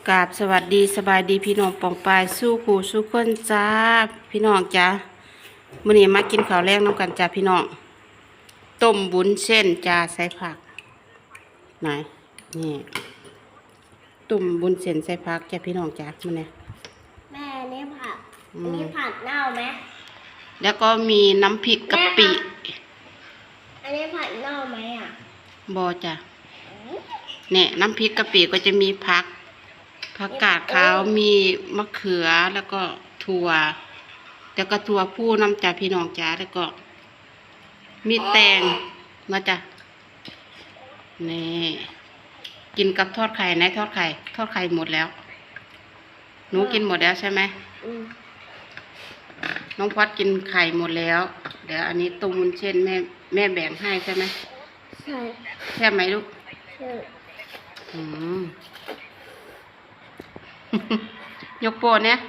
กราบสวัสดีสบายดีพี่น้องปองปายสู้ผู้สู้คนจ้าพี่น้องจ้ามื้อนี้มากินข้าวแรงน้ำกันจ้าพี่น้องต้มบุญเส้นจ้าใส่ผักไหนนี่ต้มบุญเส้นใส่ผักจ้าพี่น้องจ้ามื้อนี้แม่นี่ผักอันนี้ผัดเน่าไหมแล้วก็มีน้ำพริกกะปิอันนี้ผัดเน่าไหมอ่ะบ่จ้าเนี่ยน้ำพริกกะปิก็จะมีผักกาดขาวมีมะเขือแล้วก็ถั่วแล้วก็ถั่วพูน้ำจ่าพี่น้องจ้าแล้วก็มีแตงมาจ้ะนี่กินกับทอดไข่ไหนทอดไข่หมดแล้วหนูกินหมดแล้วใช่ไหมน้องพอดกินไข่หมดแล้วเดี๋ยวอันนี้ต้มวุ้นเส้นแม่แบ่งให้ใช่ไหมใช่แค่ไหมลูกใช่ยกโปรเนี่ย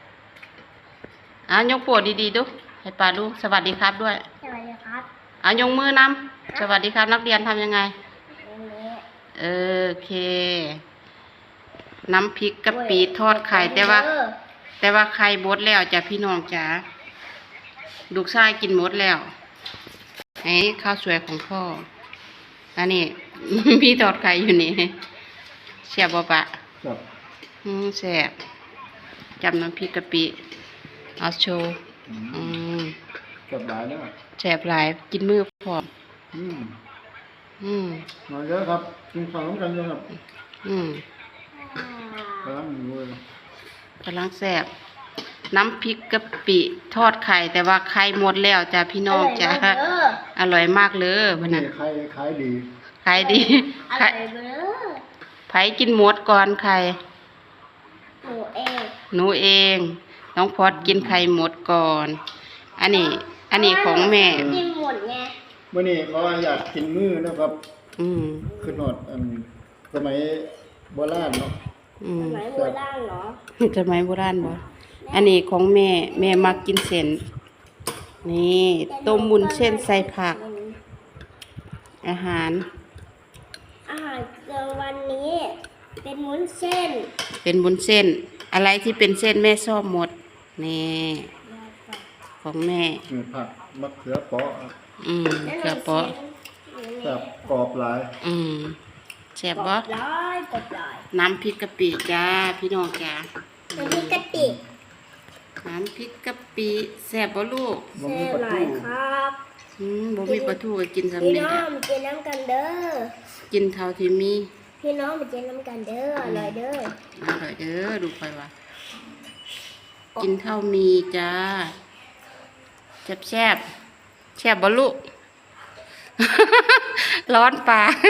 ยกโปรดีๆดูให้ป้าดูสวัสดีครับด้วยสวัสดีครับยกมือนำสวัสดีครับนักเรียนทำยังไงโอเคน้ำพริกกะปิทอดไข่แต่ว่าไข่บดแล้วจ้ะพี่น้องจ๋าลูกชายกินหมดแล้วข้าวสวยของพ่ออันนี้พี่ทอดไข่อยู่นี่เสียบปะแซ่บจำน้ำพริกกะปิเอาโชว์แซ่บหลายเนี่ยแซ่บหลายกินมือพร้อมมาเยอะครับกินข้าวน้ำกันเยอะครับกำลังแซ่บน้ำพริกกะปิทอดไข่แต่ว่าไข่หมดแล้วจ้ะพี่น้องจ้ะอร่อยมากเลยวันนั้นขายดีอร่อยไผกินหมดก่อนไข่หนูเองน้องพอดกินไข่หมดก่อนอันนี้ของแม่กินหมดไงเมื่อนี้เขาอยากกินมื้อนะครับคือหนอดสมัยโบราณเนาะสมัยโบราณเหรอสมัยโบราณบ่อันนี้ของแม่มักกินเส้นนี่ต้มวุ้นเส้นใส่ผักอาหารวันนี้เป็นวุ้นเส้นอะไรที่เป็นเส้นแม่ชอบหมดนี่ของแม่ผักมะเขือเปาะเขือเปาะแบบกรอบหลายแซ่บบ่น้ำพริกกะปิจ้าพี่น้องจ้าน้ำพริกกะปิแซ่บบ่ลูกแซ่บหลายครับบ่มีปลาทูก็กินสำเเร็จแล้วพี่น้องกินน้ำกันเด้อกินเท่าที่มีพี่น้องไปกินน้ำกันเด้ออร่อยเด้อดูไปว่ากินเท่ามีจ้าแซ่บบ่ลูกร้อนปาก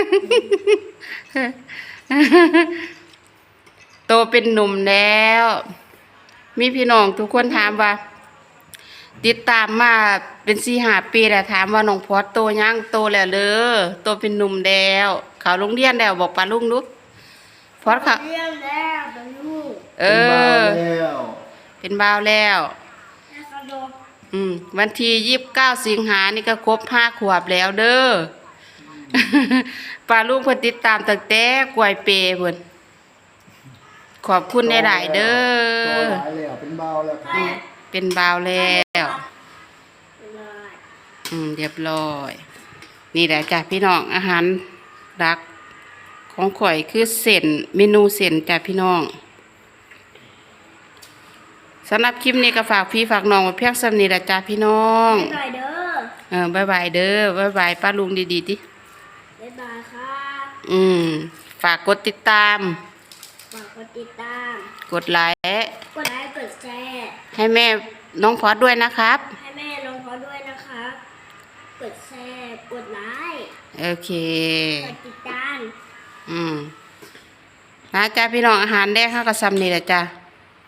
โตเป็นหนุ่มแล้วมีพี่น้องทุกคนถามว่าติดตามมาเป็น4-5 ปีแล้วถามว่าน้องพอดโตยังโตแล้วโตเป็นหนุ่มแล้วเขาโรงเรียนแล้วบอกป้าลุงลูกพอดค่ะเรียนแล้วเป็นลูกเป็นบ่าวแล้ววันที่29 สิงหานี่ก็ครบ5 ขวบแล้วเด้อป้าลุงเพิ่นติดตามตั้งแต่กล้วยเปเพิ่นขอบคุณหลายๆเด้อเป็นบ่าวแล้วเป็นบ่าวแล้วเรียบร้อยนี่แหละจ้ะพี่น้องอาหารรักของข่อยคือเส้นเมนูเส้นจ้ะพี่น้องสำหรับคลิปนี้ก็ฝากพี่ฝากน้องไว้เพียงส่ำนี้ละจ้ะพี่น้องบ๊ายบายเด้อบ๊ายบายป้าลุงดีๆดิบ๊ายบายครับฝากกดติดตามกดไลค์กดแชร์ให้แม่น้องพอดด้วยนะครับกดแชร์กดไลค์โอเคกดติดตามนะจ้าพี่น้องอาหารแรกข้าวกระซำนี่แหละจ้า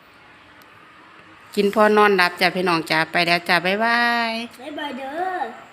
กินพอนอนหลับจ้าพี่น้องจ้าไปแล้วจ้าบ๊ายบายเด้อ